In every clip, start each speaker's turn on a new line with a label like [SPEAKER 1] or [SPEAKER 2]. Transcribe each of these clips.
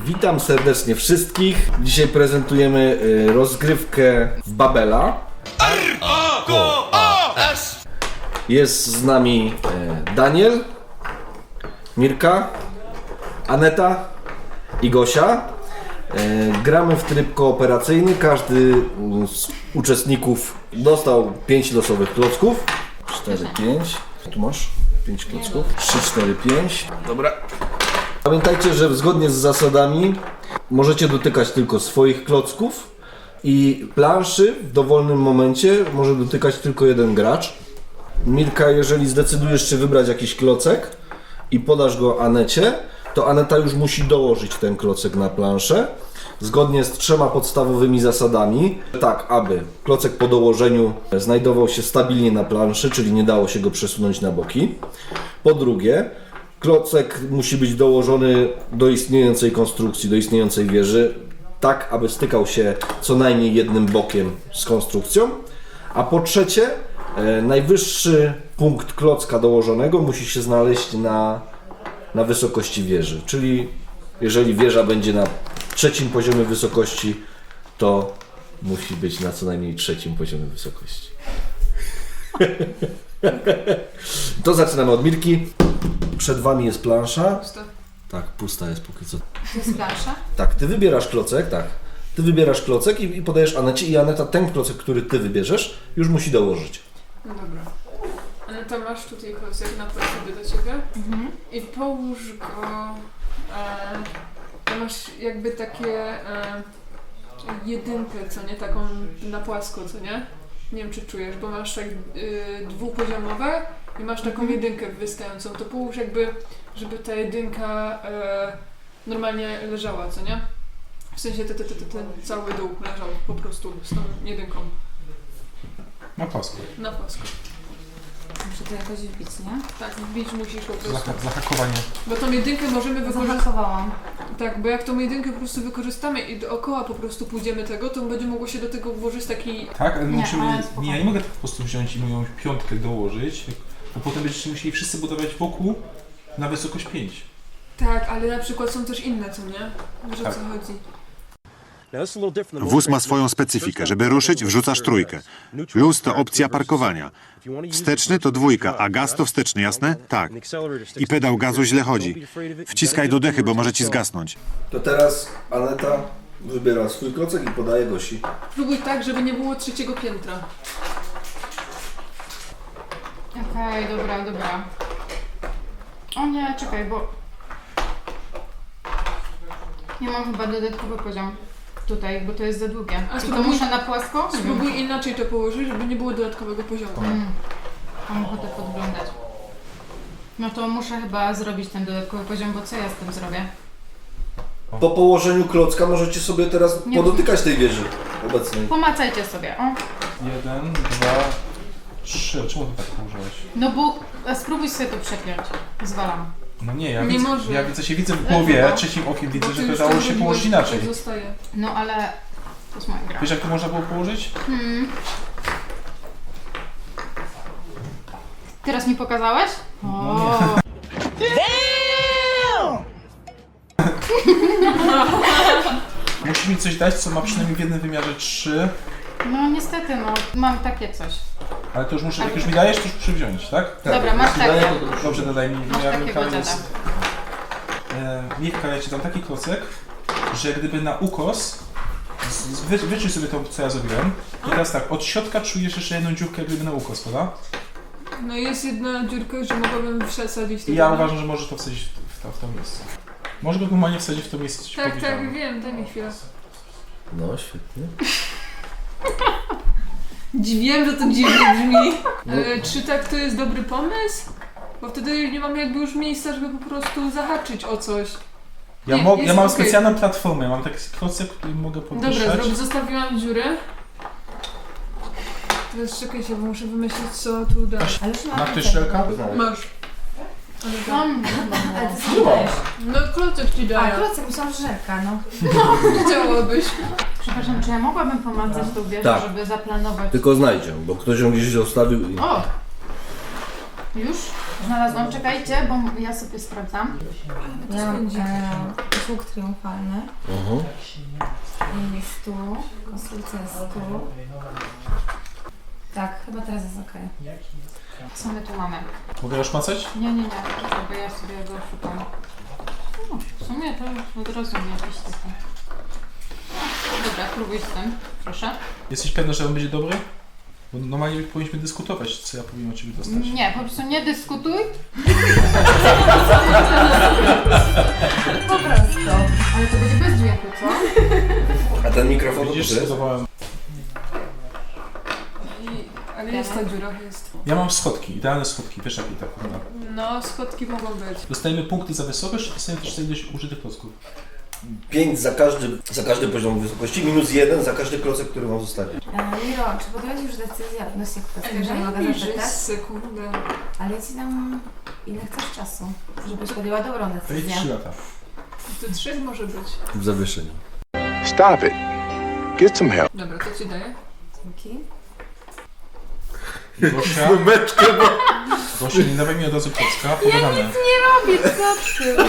[SPEAKER 1] Witam serdecznie wszystkich. Dzisiaj prezentujemy rozgrywkę w Babela. Jest z nami Daniel, Mirka, Aneta i Gosia. Gramy w tryb kooperacyjny. Każdy z uczestników dostał 5 losowych klocków. 4, 5. Tu masz 5 klocków. 3, 4, 5. Dobra. Pamiętajcie, że zgodnie z zasadami możecie dotykać tylko swoich klocków i planszy w dowolnym momencie może dotykać tylko jeden gracz. Mirka, jeżeli zdecydujesz się wybrać jakiś klocek i podasz go Anecie, to Aneta już musi dołożyć ten klocek na planszę zgodnie z 3 podstawowymi zasadami, tak aby klocek po dołożeniu znajdował się stabilnie na planszy, czyli nie dało się go przesunąć na boki. Po drugie, klocek musi być dołożony do istniejącej konstrukcji, do istniejącej wieży, tak aby stykał się co najmniej jednym bokiem z konstrukcją. A po trzecie, najwyższy punkt klocka dołożonego musi się znaleźć na wysokości wieży. Czyli jeżeli wieża będzie na 3. poziomie wysokości, to musi być na co najmniej 3. poziomie wysokości. To zaczynamy od Mirki. Przed wami jest plansza.
[SPEAKER 2] Pusta.
[SPEAKER 1] Tak, pusta jest póki co.
[SPEAKER 2] To jest plansza?
[SPEAKER 1] Tak, ty wybierasz klocek, tak. Ty wybierasz klocek i podajesz Anecie i Aneta ten klocek, który ty wybierzesz, już musi dołożyć.
[SPEAKER 2] No dobra. Aneta, masz tutaj klocek na sobie do ciebie i połóż go... masz jakby takie jedynkę, co nie? Taką na płasko, co nie? Nie wiem, czy czujesz, bo masz tak dwupoziomowe i masz taką jedynkę wystającą. To połóż jakby, żeby ta jedynka normalnie leżała, co nie? W sensie ten cały dół leżał po prostu z tą jedynką.
[SPEAKER 3] Na płasko.
[SPEAKER 2] Na płasko.
[SPEAKER 4] Muszę to jakoś wbić, nie?
[SPEAKER 2] Tak, wbić musisz po prostu.
[SPEAKER 3] Zahakowanie.
[SPEAKER 2] Bo tą jedynkę możemy wykorzystać.
[SPEAKER 4] Zahakowałam.
[SPEAKER 2] Tak, bo jak tą jedynkę po prostu wykorzystamy i dookoła po prostu pójdziemy tego, to będzie mogło się do tego włożyć taki...
[SPEAKER 3] Tak, ale
[SPEAKER 4] Nie,
[SPEAKER 3] musimy...
[SPEAKER 4] ale
[SPEAKER 3] Nie,
[SPEAKER 4] spokojnie.
[SPEAKER 3] ja nie mogę tak po prostu wziąć i moją piątkę dołożyć, bo potem będziecie musieli wszyscy budować wokół na wysokość 5.
[SPEAKER 2] Tak, ale na przykład są też inne, co nie? Wiesz, o
[SPEAKER 3] Tak.
[SPEAKER 2] co chodzi.
[SPEAKER 5] Wóz ma swoją specyfikę. Żeby ruszyć, wrzucasz trójkę. Luz to opcja parkowania. Wsteczny to 2, a gaz to wsteczny, jasne? Tak. I pedał gazu źle chodzi. Wciskaj do dechy, bo może ci zgasnąć.
[SPEAKER 1] To teraz Aneta wybiera swój klocek i podaje Gosi.
[SPEAKER 2] Próbuj tak, żeby nie było 3. piętra.
[SPEAKER 4] Okej, dobra. O nie, czekaj, bo... Ja mam chyba dodatkowy poziom tutaj, bo to jest za długie.
[SPEAKER 2] A
[SPEAKER 4] I to
[SPEAKER 2] spróbuj-
[SPEAKER 4] muszę na płasko?
[SPEAKER 2] Spróbuj inaczej to położyć, żeby nie było dodatkowego poziomu.
[SPEAKER 4] Mam ochotę podglądać. No to muszę chyba zrobić ten dodatkowy poziom, bo co ja z tym zrobię?
[SPEAKER 1] Po położeniu klocka możecie sobie teraz
[SPEAKER 4] Nie
[SPEAKER 1] podotykać tej wieży obecnej.
[SPEAKER 4] Pomacajcie sobie, o.
[SPEAKER 3] 1, 2, 3. Czemu ty tak położyłeś?
[SPEAKER 4] No bo spróbuj sobie to przepiąć. Zwalam.
[SPEAKER 3] No nie, ja
[SPEAKER 2] Nie
[SPEAKER 3] widzę,
[SPEAKER 2] może.
[SPEAKER 3] ja widzę w głowie,
[SPEAKER 4] Dlaczego?
[SPEAKER 3] trzecim okiem
[SPEAKER 2] Bo
[SPEAKER 3] widzę,
[SPEAKER 2] ty
[SPEAKER 3] że
[SPEAKER 2] już
[SPEAKER 3] to dało
[SPEAKER 2] tam
[SPEAKER 3] się
[SPEAKER 2] zrobiłeś,
[SPEAKER 3] położyć inaczej.
[SPEAKER 2] tak zostaje.
[SPEAKER 4] No ale... To jest moja gra.
[SPEAKER 3] Wiesz jak to można było położyć?
[SPEAKER 4] Teraz mi pokazałeś? O.
[SPEAKER 3] Musisz mi coś dać, co ma przynajmniej w jednym wymiarze 3,
[SPEAKER 4] No niestety, no. Mam takie coś.
[SPEAKER 3] ale to już muszę, jak już mi dajesz, to już muszę wziąć, tak?
[SPEAKER 4] Dobra, masz
[SPEAKER 1] jeśli daję,
[SPEAKER 4] takie.
[SPEAKER 1] to proszę.
[SPEAKER 3] Dobrze, dodaj mi.
[SPEAKER 4] Masz
[SPEAKER 3] Ja
[SPEAKER 4] takiego
[SPEAKER 3] Michał,
[SPEAKER 4] dziada.
[SPEAKER 3] Mirka, ja ci dam taki klocek, że gdyby na ukos, wyczuj sobie to, co ja zrobiłem. I teraz tak, od środka czujesz jeszcze jedną dziurkę, jak gdyby na ukos, prawda?
[SPEAKER 2] No jest jedna dziurka, że mogłabym wsadzić
[SPEAKER 3] I
[SPEAKER 2] tego.
[SPEAKER 3] ja uważam, że możesz to wsadzić w to miejsce. Może go normalnie wsadzić w to miejsce, co ci
[SPEAKER 2] Tak,
[SPEAKER 3] powiedziałem.
[SPEAKER 2] wiem, daj mi chwilę.
[SPEAKER 1] No, świetnie.
[SPEAKER 2] Wiem, że to dziwnie brzmi.
[SPEAKER 1] No.
[SPEAKER 2] Czy tak to jest dobry pomysł? Bo wtedy nie mamy jakby już miejsca, żeby po prostu zahaczyć o coś.
[SPEAKER 3] Ja,
[SPEAKER 2] Nie,
[SPEAKER 3] ja
[SPEAKER 2] jest
[SPEAKER 3] mam
[SPEAKER 2] okej.
[SPEAKER 3] specjalną platformę, mam taki klocek, który mogę podwyższać.
[SPEAKER 2] Dobra, zostawiłam dziurę. Teraz czekajcie, bo muszę wymyślić, co tu dać.
[SPEAKER 4] Ale już
[SPEAKER 3] Ma ktoś szelka?
[SPEAKER 2] Masz. Ale tak.
[SPEAKER 4] Mam.
[SPEAKER 6] Ale ty co dajesz?
[SPEAKER 2] No klocek ci
[SPEAKER 6] A,
[SPEAKER 2] daję.
[SPEAKER 6] klocek, myślałam, że żelka, no.
[SPEAKER 2] Chciałabyś.
[SPEAKER 4] Przepraszam, czy ja mogłabym pomacać tą wieżę,
[SPEAKER 1] Tak.
[SPEAKER 4] żeby zaplanować?
[SPEAKER 1] Tylko znajdzie, bo ktoś ją gdzieś zostawił i...
[SPEAKER 4] O! Już? Znalazłam, czekajcie, bo ja sobie sprawdzam.
[SPEAKER 6] Ja mam łuk triumfalny. I jest tu. Konstrukcja jest tu. Tak, chyba teraz jest okej.
[SPEAKER 4] Co my tu mamy?
[SPEAKER 3] Mogę już macać?
[SPEAKER 4] Nie, bo ja sobie go szukam. No, w sumie to od razu mi jakiś taki. Dobra, próbuj z tym, proszę.
[SPEAKER 3] Jesteś pewna, że on będzie dobry? Bo normalnie powinniśmy dyskutować, co ja powinien od ciebie dostać.
[SPEAKER 4] Nie, po prostu nie dyskutuj.
[SPEAKER 6] Po prostu.
[SPEAKER 4] Ale to będzie bez dźwięku, co?
[SPEAKER 1] A ten mikrofon to
[SPEAKER 3] Widzisz,
[SPEAKER 1] jest?
[SPEAKER 3] spróbowałem.
[SPEAKER 2] Ale jest ta dziura, jest.
[SPEAKER 3] Ja mam schodki, idealne schodki, wiesz jakie tak wygląda.
[SPEAKER 2] No, schodki mogą być.
[SPEAKER 3] Dostajemy punkty za wysokość i dostajemy też za ilość użytych klocków.
[SPEAKER 1] 5 za każdy poziom wysokości, -1 za każdy klocek, który wam zostanie.
[SPEAKER 6] Miro, czy podjąłeś już decyzję odnośnie kwestii, że mogę
[SPEAKER 2] Daj mi
[SPEAKER 6] zapytać?
[SPEAKER 2] sekundę.
[SPEAKER 6] Ale ja ci dam ile chcesz czasu, żebyś podjęła dobrą
[SPEAKER 3] To jest
[SPEAKER 6] decyzję.
[SPEAKER 3] 3 lata.
[SPEAKER 2] To 3 może być.
[SPEAKER 1] W zawieszeniu.
[SPEAKER 7] Stop it. Get some help.
[SPEAKER 2] Dobra, to ci daję.
[SPEAKER 6] Dzięki.
[SPEAKER 3] Gosia,
[SPEAKER 1] Meczkę, bo...
[SPEAKER 3] Gosia, nie dawaj mi od razu klocka, pogadamy.
[SPEAKER 4] Robię, co ty?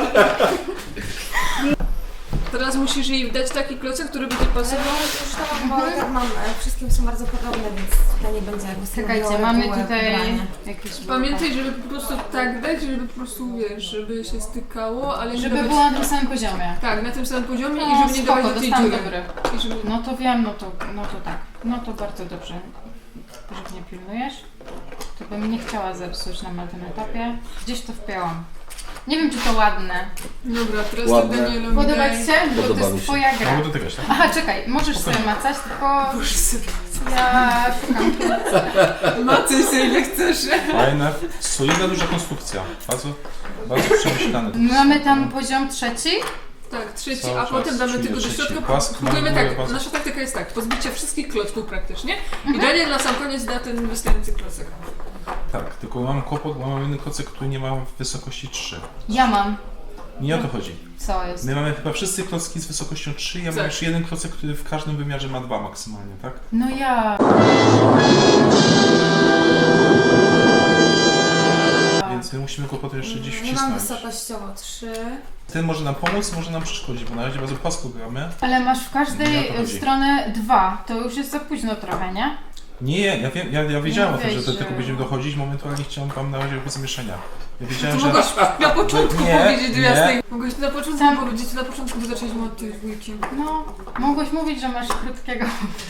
[SPEAKER 2] Teraz musisz jej dać taki klocek, który będzie pasował.
[SPEAKER 6] Już to mam, bo tak mam, wszystkim są bardzo podobne, więc tutaj nie będzie jakby
[SPEAKER 4] Czekajcie,
[SPEAKER 6] stanowiło
[SPEAKER 4] mamy
[SPEAKER 6] reguły
[SPEAKER 4] tutaj
[SPEAKER 6] wybrania.
[SPEAKER 4] jakieś...
[SPEAKER 2] Pamiętaj, żeby po prostu tak dać, żeby po prostu, wiesz, żeby się stykało, ale nie
[SPEAKER 4] Żeby
[SPEAKER 2] dawać...
[SPEAKER 4] było na tym samym poziomie.
[SPEAKER 2] Tak, na tym samym poziomie
[SPEAKER 4] No,
[SPEAKER 2] i żeby nie
[SPEAKER 4] spoko,
[SPEAKER 2] dawać do tej
[SPEAKER 4] dostałam
[SPEAKER 2] dziury.
[SPEAKER 4] dobry.
[SPEAKER 2] I żeby...
[SPEAKER 4] No to wiem, no to tak. No to bardzo dobrze, że mnie pilnujesz. To bym nie chciała zepsuć na tym etapie. Gdzieś to wpięłam. Nie wiem, czy to ładne.
[SPEAKER 2] Dobra, teraz
[SPEAKER 1] Ładne.
[SPEAKER 2] tak Danielowi
[SPEAKER 4] Podobać
[SPEAKER 2] daj.
[SPEAKER 4] się? Bo to
[SPEAKER 1] Podoba mi
[SPEAKER 4] jest
[SPEAKER 1] się.
[SPEAKER 4] twoja gra.
[SPEAKER 3] Mogę dotykać, tak?
[SPEAKER 4] Aha, czekaj, możesz sobie macać, tylko
[SPEAKER 2] Boże, sobie.
[SPEAKER 4] ja szukam.
[SPEAKER 2] Macuj sobie ile chcesz.
[SPEAKER 3] Fajne, solidna, duża konstrukcja. Bardzo, bardzo przemyślane.
[SPEAKER 4] Mamy tam poziom 3.
[SPEAKER 2] Tak, trzeci,
[SPEAKER 3] Cały
[SPEAKER 2] a
[SPEAKER 3] czas
[SPEAKER 2] potem damy
[SPEAKER 3] czuję
[SPEAKER 2] tylko do
[SPEAKER 3] trzeci.
[SPEAKER 2] środka.
[SPEAKER 3] Płasko,
[SPEAKER 2] Próbujemy
[SPEAKER 3] maluję
[SPEAKER 2] tak,
[SPEAKER 3] bardzo.
[SPEAKER 2] nasza taktyka jest tak, pozbycie wszystkich klocków praktycznie i Daniel na sam koniec da ten wystający klocek.
[SPEAKER 3] Tak, tylko mam kłopot, bo mam jeden klocek, który nie ma wysokości 3.
[SPEAKER 4] Ja mam.
[SPEAKER 3] Nie o to chodzi.
[SPEAKER 4] Co jest?
[SPEAKER 3] My mamy chyba wszyscy klocki z wysokością 3, ja mam
[SPEAKER 2] Tak.
[SPEAKER 3] jeszcze jeden klocek, który w każdym wymiarze ma 2 maksymalnie, tak?
[SPEAKER 4] No ja.
[SPEAKER 3] Więc my musimy go potem jeszcze gdzieś
[SPEAKER 6] Nie mam
[SPEAKER 3] wcisnąć.
[SPEAKER 6] wysokościowo 3.
[SPEAKER 3] Ten może nam pomóc, może nam przeszkodzić, bo na razie bardzo płasko gramy.
[SPEAKER 4] Ale masz w
[SPEAKER 3] Nie o
[SPEAKER 4] każdej
[SPEAKER 3] to chodzi.
[SPEAKER 4] stronę 2. To już jest za późno trochę, nie?
[SPEAKER 3] Nie, ja wiem, ja wiedziałem o tym, że do
[SPEAKER 4] wiesz,
[SPEAKER 3] tego będziemy dochodzić, momentalnie chciałem wam na razie jakby zamieszania. Ja
[SPEAKER 2] To
[SPEAKER 3] wiedziałem, że...
[SPEAKER 2] mogłeś na początku
[SPEAKER 3] Nie,
[SPEAKER 2] powiedzieć
[SPEAKER 3] nie.
[SPEAKER 2] jasnej. Mogłeś na początku
[SPEAKER 4] Sam-
[SPEAKER 2] powiedzieć, na początku, bo zaczęliśmy od tej dwójki.
[SPEAKER 4] No, mogłeś mówić, że masz krótkiego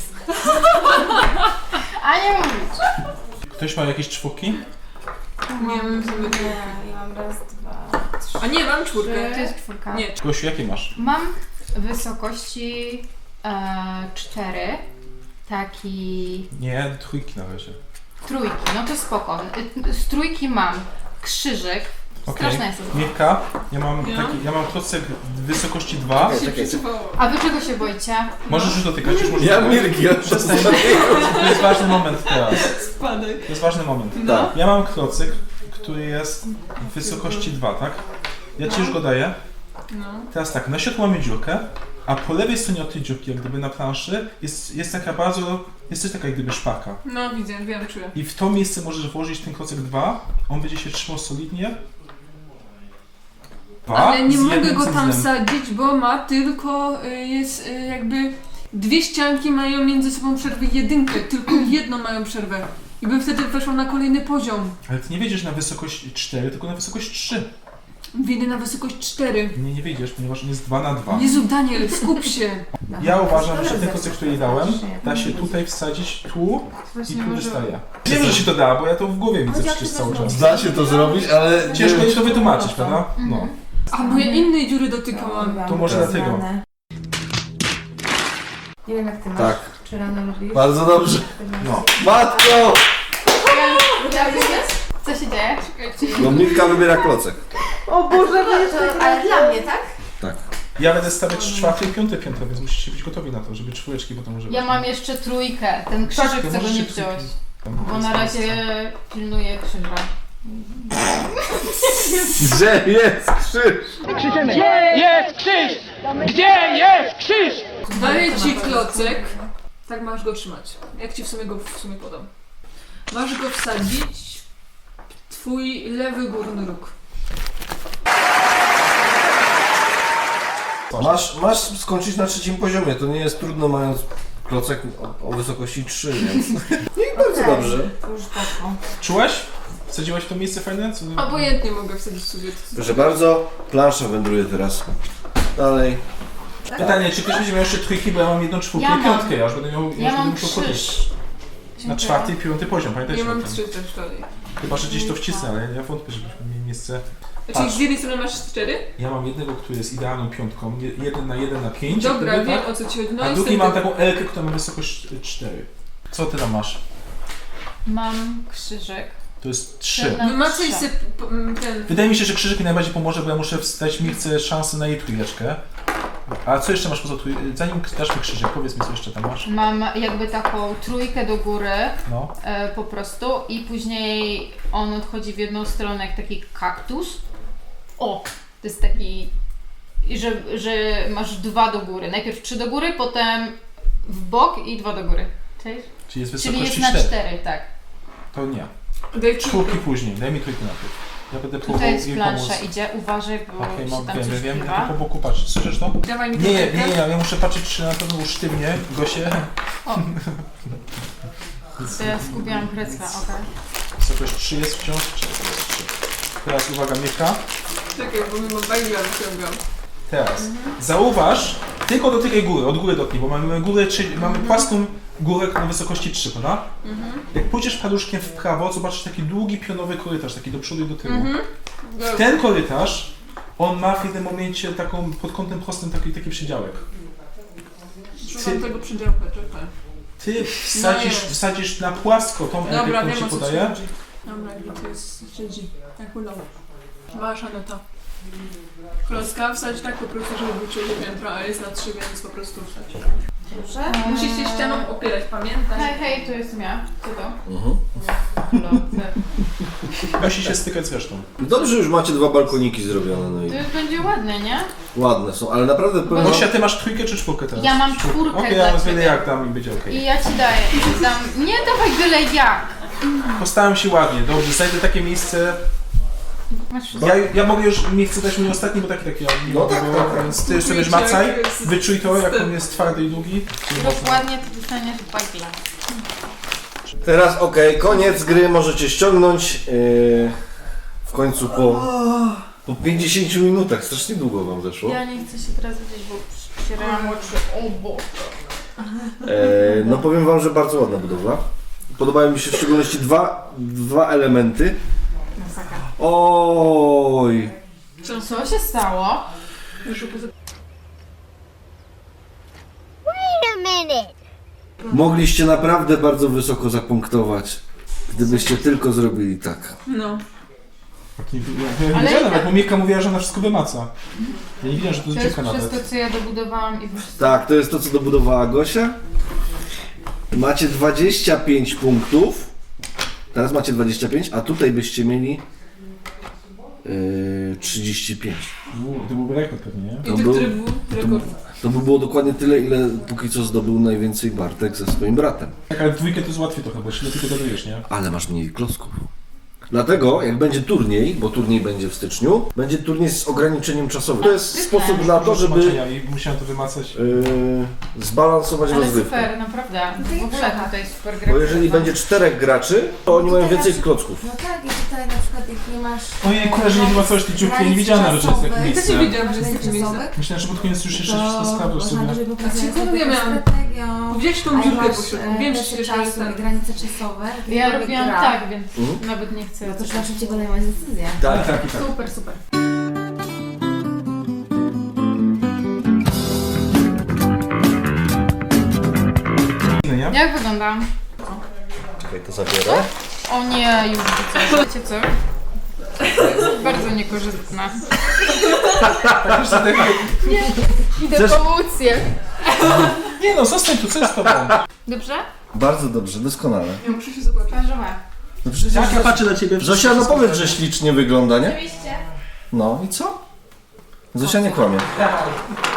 [SPEAKER 4] a nie mówić.
[SPEAKER 3] Ktoś ma jakieś czwórki?
[SPEAKER 2] Nie wiem, co my...
[SPEAKER 6] Nie, ja mam raz, dwa, trzy.
[SPEAKER 2] A nie, mam czwórkę.
[SPEAKER 4] To jest czwórka.
[SPEAKER 2] Nie,
[SPEAKER 3] Gosiu, jakie masz?
[SPEAKER 4] Mam wysokości 4. Taki
[SPEAKER 3] Nie, trójki na razie.
[SPEAKER 4] trójki, no to spoko. Z trójki mam krzyżyk. Straszna jest to.
[SPEAKER 3] Mirka,
[SPEAKER 2] Ja?
[SPEAKER 3] ja mam klocek wysokości 2.
[SPEAKER 2] się przyczywało.
[SPEAKER 4] A wy czego się boicie?
[SPEAKER 3] Możesz już dotykać, już możesz
[SPEAKER 1] Ja
[SPEAKER 3] dotykać.
[SPEAKER 1] Mirki, ja
[SPEAKER 3] Przestań. To jest ważny moment teraz.
[SPEAKER 2] Spadaj.
[SPEAKER 3] To jest ważny moment.
[SPEAKER 2] No.
[SPEAKER 3] Ja mam klocek, który jest w wysokości 2, tak? Ja ci już go daję.
[SPEAKER 2] No.
[SPEAKER 3] Teraz tak, na środku mamy dziurkę, a po lewej stronie od tej dziurki, jak gdyby na planszy, jest taka bardzo, jest coś taka jak gdyby szpaka.
[SPEAKER 2] No widzę, wiem, czuję.
[SPEAKER 3] I w to miejsce możesz włożyć ten klocek 2, on będzie się trzymał solidnie.
[SPEAKER 2] Ale nie
[SPEAKER 3] z
[SPEAKER 2] mogę
[SPEAKER 3] jednym
[SPEAKER 2] go tam
[SPEAKER 3] cyzlem.
[SPEAKER 2] sadzić, bo ma tylko, jest jakby... Dwie ścianki mają między sobą przerwę jedynkę, tylko jedną mają przerwę. I bym wtedy weszła na kolejny poziom.
[SPEAKER 3] Ale ty nie wejdziesz na wysokość 4, tylko na wysokość 3.
[SPEAKER 2] Wyjdę na wysokość 4.
[SPEAKER 3] Nie wejdziesz, ponieważ on jest 2 na 2.
[SPEAKER 2] Jezu, Daniel, skup się.
[SPEAKER 3] Ja uważam, że ten klocek, który jej dałem, da się tutaj wsadzić, tu i
[SPEAKER 4] Właśnie
[SPEAKER 3] tu
[SPEAKER 4] może...
[SPEAKER 3] wystaje. Wiem, że się to da, bo ja to w głowie widzę
[SPEAKER 6] Chodzi o
[SPEAKER 3] przecież
[SPEAKER 6] to,
[SPEAKER 3] cały
[SPEAKER 6] że
[SPEAKER 3] czas.
[SPEAKER 1] Da się to zrobić, ale
[SPEAKER 3] Ciężko
[SPEAKER 1] nie
[SPEAKER 3] jest to wytłumaczyć,
[SPEAKER 6] No to.
[SPEAKER 3] prawda? No.
[SPEAKER 2] A, bo ja innej dziury dotykałam.
[SPEAKER 3] To może dlatego.
[SPEAKER 6] Nie wiem jak ty masz.
[SPEAKER 1] Tak.
[SPEAKER 6] Czy rano lubisz?
[SPEAKER 1] Bardzo dobrze.
[SPEAKER 3] No.
[SPEAKER 1] Matko!
[SPEAKER 4] Co się dzieje?
[SPEAKER 2] Czekajcie.
[SPEAKER 1] No Mirka wybiera klocek.
[SPEAKER 6] O Boże, ale dla mnie, tak?
[SPEAKER 1] Tak.
[SPEAKER 3] Ja będę stawiać 4. i 5. piętro, więc musicie być gotowi na to, żeby czwóreczki potem używać.
[SPEAKER 4] Ja mam jeszcze trójkę. Ten krzyżyk
[SPEAKER 3] Tak, to
[SPEAKER 4] chcę go
[SPEAKER 3] możecie
[SPEAKER 4] nie wziąć.
[SPEAKER 3] trójki.
[SPEAKER 4] Bo na razie pilnuję krzyża.
[SPEAKER 1] Gdzie jest krzyż?
[SPEAKER 2] Daję ci klocek. Tak masz go trzymać. Jak ci w sumie podam. Masz go wsadzić twój lewy górny róg.
[SPEAKER 1] Masz skończyć na 3. poziomie, to nie jest trudno mając klocek o wysokości 3, więc... I bardzo dobrze.
[SPEAKER 6] Już poszło.
[SPEAKER 3] Czułaś? Wsadziłaś w to miejsce fajne? Co...
[SPEAKER 2] Obojętnie mogę wsadzić sobie.
[SPEAKER 1] Proszę bardzo, plansza wędruje teraz. Dalej.
[SPEAKER 3] Pytanie, czy ktoś będzie miał jeszcze trójki, bo ja mam 1, 4
[SPEAKER 4] Ja
[SPEAKER 3] i
[SPEAKER 4] mam.
[SPEAKER 3] 5, ja już będę miał...
[SPEAKER 4] Ja mam
[SPEAKER 3] musiał podnieść.
[SPEAKER 4] 3.
[SPEAKER 3] Na 4. i 5 poziom, pamiętajcie
[SPEAKER 2] Ja mam
[SPEAKER 3] o tym.
[SPEAKER 2] 3 też dalej.
[SPEAKER 3] Chyba, że gdzieś to wcisnę, ale ja wątpię, żebyśmy mieli miejsce.
[SPEAKER 2] Czyli
[SPEAKER 3] Patrz.
[SPEAKER 2] z jednej strony masz 4?
[SPEAKER 3] Ja mam jednego, który jest idealną piątką, 1 na 1 na 5.
[SPEAKER 2] Dobra,
[SPEAKER 3] jakby,
[SPEAKER 2] wiem
[SPEAKER 3] tak?
[SPEAKER 2] o co ci chodzi. No
[SPEAKER 3] A
[SPEAKER 2] i
[SPEAKER 3] drugi
[SPEAKER 2] wtedy-
[SPEAKER 3] mam taką L-kę, która ma wysokość 4. Co ty tam masz?
[SPEAKER 4] Mam krzyżyk.
[SPEAKER 3] To jest 3.
[SPEAKER 4] Na
[SPEAKER 2] Wymacaj
[SPEAKER 4] 3.
[SPEAKER 2] sobie ten...
[SPEAKER 3] Wydaje mi się, że krzyżyk mi najbardziej pomoże, bo ja muszę wstać Mirce szansę na jej trójeczkę. A co jeszcze masz poza trójką? Zanim dasz mi krzyżyk, powiedz mi co jeszcze tam masz.
[SPEAKER 4] Mam jakby taką trójkę do góry
[SPEAKER 3] No.
[SPEAKER 4] po prostu i później on odchodzi w jedną stronę jak taki kaktus. O! To jest taki, że masz 2 do góry. Najpierw 3 do góry, potem w bok i 2 do góry. Cześć?
[SPEAKER 3] Czyli jest
[SPEAKER 4] Czyli
[SPEAKER 3] wysokości
[SPEAKER 4] jest na
[SPEAKER 3] 4.
[SPEAKER 4] 4, tak.
[SPEAKER 3] To nie.
[SPEAKER 2] Daj
[SPEAKER 3] Czwórki
[SPEAKER 2] trójkę.
[SPEAKER 3] później, daj mi trójkę najpierw. Ja będę
[SPEAKER 4] Tutaj
[SPEAKER 3] próbował
[SPEAKER 4] jest
[SPEAKER 3] jej
[SPEAKER 4] plansza,
[SPEAKER 3] pomóc.
[SPEAKER 4] idzie. Uważaj, bo
[SPEAKER 3] Okej,
[SPEAKER 4] się
[SPEAKER 3] mam,
[SPEAKER 4] tam
[SPEAKER 3] wiem,
[SPEAKER 4] coś
[SPEAKER 3] wiem, ja
[SPEAKER 4] wpływa.
[SPEAKER 3] to po boku patrz. Słyszysz to?
[SPEAKER 2] Dawaj mi
[SPEAKER 3] Nie,
[SPEAKER 2] trójkę.
[SPEAKER 3] ja muszę patrzeć, czy na pewno usztywnie, Gosie.
[SPEAKER 4] To ja zgubiłam kresła, okej.
[SPEAKER 3] Wysokość 3 jest wciąż, czy jest 3. Teraz uwaga, Mirka.
[SPEAKER 2] Czekaj, bo mimo bagla wyciągam.
[SPEAKER 3] Teraz. Zauważ, tylko dotykaj góry, od góry dotknij, bo mamy górę, mamy płaską górę na wysokości 3, prawda? Jak pójdziesz paluszkiem w prawo, zobaczysz taki długi pionowy korytarz, taki do przodu i do tyłu.
[SPEAKER 2] Dobra.
[SPEAKER 3] Ten korytarz, on ma w jednym momencie taką, pod kątem prostym taki przedziałek.
[SPEAKER 2] Szukam tego przydziałka, czekaj.
[SPEAKER 3] Ty
[SPEAKER 2] jest.
[SPEAKER 3] wsadzisz na płasko tą
[SPEAKER 2] Dobra,
[SPEAKER 3] elkę, którą
[SPEAKER 2] wiem
[SPEAKER 3] ci
[SPEAKER 2] o co ci
[SPEAKER 3] podaję.
[SPEAKER 2] chodzi. Dobra, gdzie to jest siedzi. Jak udało. Masz Aneta. Klocka wsadź tak po prostu, żeby był czuły piętro, a jest na 3, więc po prostu wsadź.
[SPEAKER 6] Dobrze?
[SPEAKER 2] Musisz się ścianą opierać, pamiętaj.
[SPEAKER 4] Hej, hej, to jest ja. Co to? Lody.
[SPEAKER 3] Musi się stykać z resztą.
[SPEAKER 1] Dobrze, już macie 2 balkoniki zrobione, no i
[SPEAKER 4] To już będzie ładne, nie?
[SPEAKER 1] ładne są, ale naprawdę powiem wam,
[SPEAKER 3] Gosia, ty masz trójkę czy czwórkę teraz?
[SPEAKER 4] Ja mam czwórkę
[SPEAKER 3] Okej,
[SPEAKER 4] dla
[SPEAKER 3] ja wiele
[SPEAKER 4] ciebie.
[SPEAKER 3] jak dam i będzie okej.
[SPEAKER 4] I ja ci daję. Dam. Nie dawaj byle jak.
[SPEAKER 3] Postaram się ładnie, dobrze, znajdę takie miejsce.
[SPEAKER 4] Masz wszystko.
[SPEAKER 3] Ja mogę już, nie chcę dać mój ostatni, bo taki ja nie
[SPEAKER 1] No
[SPEAKER 3] mogę,
[SPEAKER 1] tak,
[SPEAKER 3] bo,
[SPEAKER 1] tak.
[SPEAKER 3] więc ty już sobie
[SPEAKER 2] Czujcie,
[SPEAKER 3] macaj,
[SPEAKER 2] jak jest
[SPEAKER 3] wyczuj to, jak
[SPEAKER 2] styl.
[SPEAKER 3] on jest twardy i długi. Czyli mocno.
[SPEAKER 4] Dokładnie to dostaniesz bagla.
[SPEAKER 1] teraz okej, koniec gry, możecie ściągnąć. W końcu po 50 minutach, strasznie długo wam zeszło.
[SPEAKER 4] Ja nie chcę się teraz widzieć, bo przecierałam oczy. O Boże.
[SPEAKER 1] No powiem wam, że bardzo ładna budowla. Podobają mi się w szczególności dwa elementy. Oj!
[SPEAKER 4] Co się stało?
[SPEAKER 1] Mogliście naprawdę bardzo wysoko zapunktować, gdybyście tylko zrobili tak.
[SPEAKER 2] No.
[SPEAKER 3] Ja
[SPEAKER 4] Ale
[SPEAKER 3] nie wiedziałem,
[SPEAKER 4] ja-
[SPEAKER 3] bo Mirka mówiła, że ona wszystko wymaca. Ja nie wiedziałem, że to
[SPEAKER 4] To
[SPEAKER 3] jest
[SPEAKER 4] jest
[SPEAKER 3] dziewka
[SPEAKER 4] przez
[SPEAKER 3] nawet.
[SPEAKER 4] to, co ja dobudowałam i wszystko.
[SPEAKER 1] Tak, to jest to, co dobudowała Gosia. Macie 25 punktów. Teraz macie 25, a tutaj byście mieli 35.
[SPEAKER 3] To byłby rekord pewnie, nie?
[SPEAKER 2] I
[SPEAKER 1] To
[SPEAKER 2] ty,
[SPEAKER 1] był-
[SPEAKER 2] który był rekord?
[SPEAKER 1] To by było dokładnie tyle, ile póki co zdobył najwięcej Bartek ze swoim bratem.
[SPEAKER 3] Tak, ale w dwójkę to jest łatwiej trochę, bo jeszcze tylko dodajesz, nie?
[SPEAKER 1] Ale masz mniej klocków. Dlatego, jak będzie turniej, bo turniej będzie w styczniu, będzie turniej z ograniczeniem czasowym. To jest sposób na to, żeby
[SPEAKER 3] I musiałem to wymacać.
[SPEAKER 1] zbalansować
[SPEAKER 4] Ale
[SPEAKER 1] rozgrywkę.
[SPEAKER 4] super, naprawdę. W ogóle tutaj super gra.
[SPEAKER 1] Bo jeżeli będzie 4 graczy, to oni mają więcej klocków.
[SPEAKER 6] No tak, i tutaj na przykład jak nie masz...
[SPEAKER 3] Ojej, że nie wymacałeś tej dziurki, ja nie wiedziałem nawet, że jest takie
[SPEAKER 2] Ja też nie
[SPEAKER 3] miejsce.
[SPEAKER 2] wiedziałam, że jest takie miejsce.
[SPEAKER 6] czasowych,
[SPEAKER 3] Myślałem, że pod koniec już jeszcze wszystko
[SPEAKER 6] to
[SPEAKER 3] sprawdzisz
[SPEAKER 6] można
[SPEAKER 3] sobie.
[SPEAKER 6] dłużej popracować
[SPEAKER 2] A
[SPEAKER 6] nad
[SPEAKER 2] sekundę
[SPEAKER 6] taką
[SPEAKER 2] miałam.
[SPEAKER 6] strategią.
[SPEAKER 2] Gdzieś tą
[SPEAKER 6] A jak
[SPEAKER 2] dziurkę
[SPEAKER 6] masz,
[SPEAKER 2] poszedłem. Wiem, że
[SPEAKER 6] presję
[SPEAKER 2] się
[SPEAKER 6] czasu i granice czasowe.
[SPEAKER 4] Ja
[SPEAKER 6] jakkolwiek
[SPEAKER 4] robiłam
[SPEAKER 6] gra,
[SPEAKER 4] tak, więc nawet nie chcę.
[SPEAKER 6] No to trzeba szybciej podejmować decyzję.
[SPEAKER 1] Tak,
[SPEAKER 3] Tak, i tak.
[SPEAKER 2] Super, super.
[SPEAKER 3] Nie?
[SPEAKER 4] Jak wyglądam?
[SPEAKER 1] Czekaj, to zabiorę.
[SPEAKER 4] O nie, już widzę. Wiecie co? To jest bardzo niekorzystne. Idę
[SPEAKER 1] Chcesz-
[SPEAKER 4] pomóc je.
[SPEAKER 3] Nie no, zostań tu, co jest z tobą?
[SPEAKER 4] Dobrze?
[SPEAKER 1] Bardzo dobrze, doskonale.
[SPEAKER 2] Ja muszę się zobaczyć.
[SPEAKER 4] Parzowe.
[SPEAKER 1] No przecież
[SPEAKER 3] Jak ja patrzę na ciebie...
[SPEAKER 1] Zosia, no powiedz, że ślicznie wygląda, nie?
[SPEAKER 4] Oczywiście.
[SPEAKER 1] No i co? Zosia nie kłamie.
[SPEAKER 3] Dawaj.